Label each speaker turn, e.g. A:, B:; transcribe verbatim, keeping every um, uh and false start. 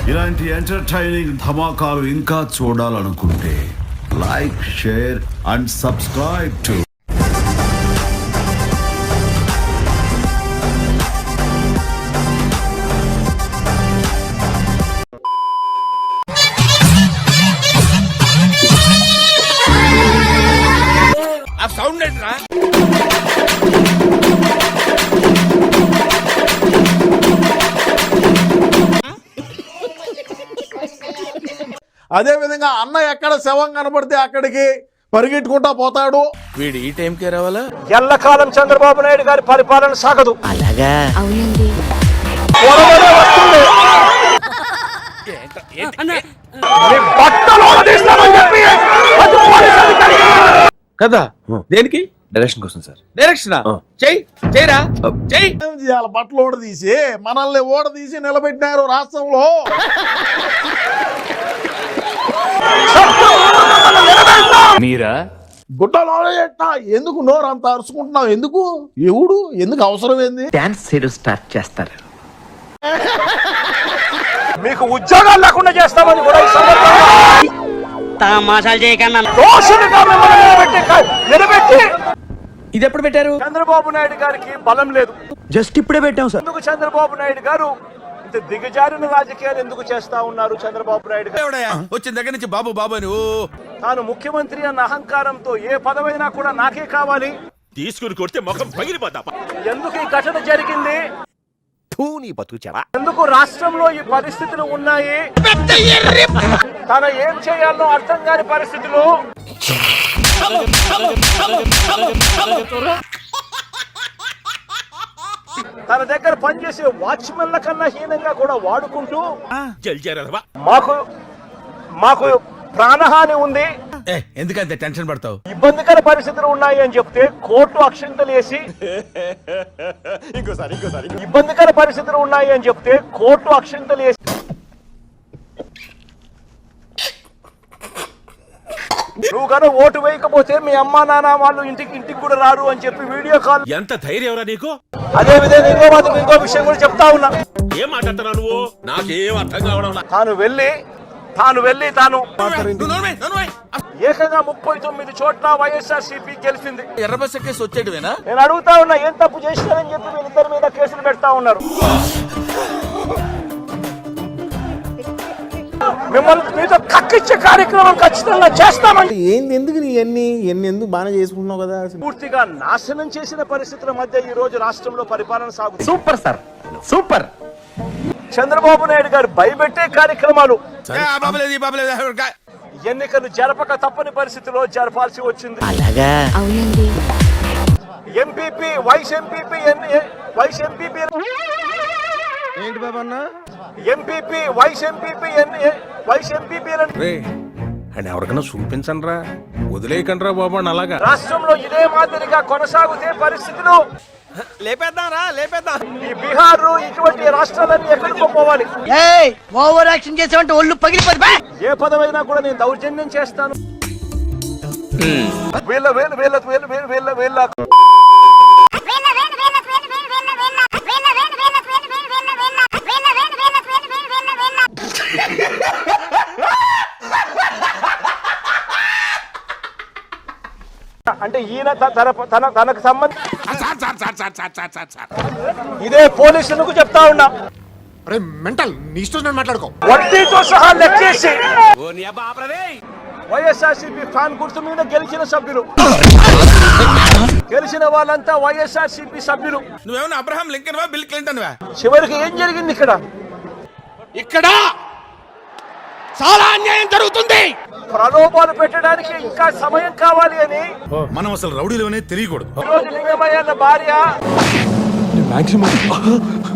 A: ఇలాంటి ఎంటర్టైనింగ్ ధమాకాలు ఇంకా చూడాలనుకుంటే like, share and subscribe to
B: sound ఏంట్రా?
C: అదే విధంగా అన్న ఎక్కడ శవం కనబడితే అక్కడికి పరిగెట్టుకుంటా పోతాడు.
B: వీడు ఈ టైంకే రావాలా?
D: ఎల్లకాలం చంద్రబాబు నాయుడు గారి పరిపాలన సాగదు.
E: అలాగా అవునండి.
B: కదా దేనికి?
F: డైరెక్షన్ కోసం సార్.
B: డైరెక్షన్ చెయ్యి చెయ్యరా చెయ్యి.
C: ఏం చేయాలి? బట్టలు ఓడదీసి మనల్ని ఓడదీసి నిలబెట్టినారు రాష్ట్రంలో.
F: మీరా?
C: గుట్టలో ఎందుకు నోరు అంత అరుచుకుంటున్నావు? ఎందుకు? ఎవడు? ఎందుకు? అవసరం ఏంది?
E: డాన్స్ చేయడం స్టార్ట్ చేస్తారు.
D: మీకు ఉద్యోగాలు లేకుండా చేస్తామని కూడా ఈ సందర్భంగా
E: మసాలా చేయకన్నా
D: దోషులుగా మిమ్మల్ని నిలబెట్టి నిలబెట్టి
B: ఇది ఎప్పుడు పెట్టారు?
D: చంద్రబాబు నాయుడు గారికి బలం లేదు.
E: జస్ట్ ఇప్పుడే పెట్టాం సార్.
D: ఎందుకు చంద్రబాబు నాయుడు గారు ఇంత దిగజారిన రాజకీయాలు ఎందుకు చేస్తా ఉన్నారు? చంద్రబాబు నాయుడు గారు
B: వచ్చిన దగ్గర నుంచి బాబు బాబు అని ఓ
D: తాను ముఖ్యమంత్రి అన్న అహంకారంతో ఏ పదవైనా కూడా నాకే కావాలి
B: తీసుకుని కొడితే ముఖం పగిలిపోతా.
D: ఎందుకు ఈ ఘటన జరిగింది? ఎందుకు రాష్ట్రంలో ఈ పరిస్థితులు ఉన్నాయి? తన ఏం చేయాలో అర్థం కాని పరిస్థితులు. తన దగ్గర పనిచేసే వాచ్మెన్ల కన్నా హీనంగా కూడా వాడుకుంటూ మాకు మాకు ప్రాణహాని ఉంది,
B: ఎందుకంటే టెన్షన్ పడతావు?
D: ఇబ్బందికర పరిస్థితులు ఉన్నాయి అని చెప్తే కోర్టు అక్షింతలు వేసి ఇంకోసారి ఇంకోసారి ఇబ్బందికర పరిస్థితులు ఉన్నాయి అని చెప్తే కోర్టు అక్షింతలు వేసి నువ్వు కనుక ఓటు వేయకపోతే మీ అమ్మా నాన్న వాళ్ళు ఇంటికి ఇంటికి కూడా రారు అని చెప్పి వీడియో కాల్.
B: ఎంత ధైర్యం రా నీకు?
D: అదే విధంగా ఇంకో మాత్రం ఇంకో విషయం కూడా చెప్తా ఉన్నా.
B: ఏం మాట్లాడుతున్నావు నువ్వు? నాకేం అర్థం కావడం.
D: తాను వెళ్ళి తాను వెళ్ళి తాను ఏకంగా ముప్పై తొమ్మిది చోట్ల వైఎస్ఆర్ సిపి గెలిచింది.
B: ఎర్ర బస్ కేసు వచ్చేటివేనా?
D: నేను అడుగుతా ఉన్నా, ఏం తప్పు చేసినారని చెప్పి వీళ్ళిద్దరి మీద కేసులు పెడతా ఉన్నారు. మిమ్మల్ని మీతో కక్కిచ్చే కార్యక్రమం ఖచ్చితంగా చేస్తామని.
C: ఏంది? ఎందుకు నీ ఎన్ని ఎన్ని ఎందుకు బాగా చేసుకుంటున్నావు కదా?
D: పూర్తిగా నాశనం చేసిన పరిస్థితుల మధ్య ఈ రోజు రాష్ట్రంలో పరిపాలన సాగుతుంది.
E: Super sir, super.
D: Chandrababu Naidu గారు భయపెట్టే కార్యక్రమాలు, ఎన్నికలు జరపక తప్పని పరిస్థితిలో జరపాల్సి వచ్చింది.
E: అలాగా అవునండి.
D: MPP vice MPP vice MPP
B: ఏంటి బాబా అన్న?
D: MPP vice MPP vice MPP
B: అని ఎవరికైనా చూపించండి రా, వదిలేయకండి రా బాబు అని. అలాగా
D: రాష్ట్రంలో ఇదే మాదిరిగా కొనసాగుతే పరిస్థితులు
B: లేపేద్దాం రా, లేపేద్దాం.
D: ఈ బీహార్ ఇటువంటి రాష్ట్రాలన్నీ ఎక్కడికో పోవాలి.
E: ఓవర్ యాక్షన్ చేసామంటే ఒళ్ళు పగిలిపోతుంది.
D: ఏ పదమైనా కూడా నేను దౌర్జన్యం చేస్తాను. వీళ్ళ వీళ్ళ వీళ్ళ వీళ్ళ వీళ్ళ వీళ్ళ వీళ్ళ అంటే ఈయన తన తన తనకు సంబంధించి ఇదే పోలీసులకు చెప్తా ఉన్నా,
C: మెంటల్ నీ ఇష్టం మాట్లాడుకో.
D: వడ్డీతో సహా లెక్కేసి వైఎస్ఆర్సీపీ ఫ్యాన్ గుర్తు మీద గెలిచిన సభ్యులు, గెలిచిన వాళ్ళంతా వైఎస్ఆర్సీపీ సభ్యులు.
B: నువ్వేమన్నా అబ్రహాం లింకన్ వా, బిల్ క్లింటన్ వా?
D: చివరికి ఏం జరిగింది ఇక్కడ?
B: ఇక్కడ చాలా అన్యాయం జరుగుతుంది.
D: ప్రలోభాలు పెట్టడానికి ఇంకా సమయం కావాలి అని
B: మనం అసలు రౌడీలోనే తెలియకూడదు.
D: ఈరోజు లింగమయ్య భార్య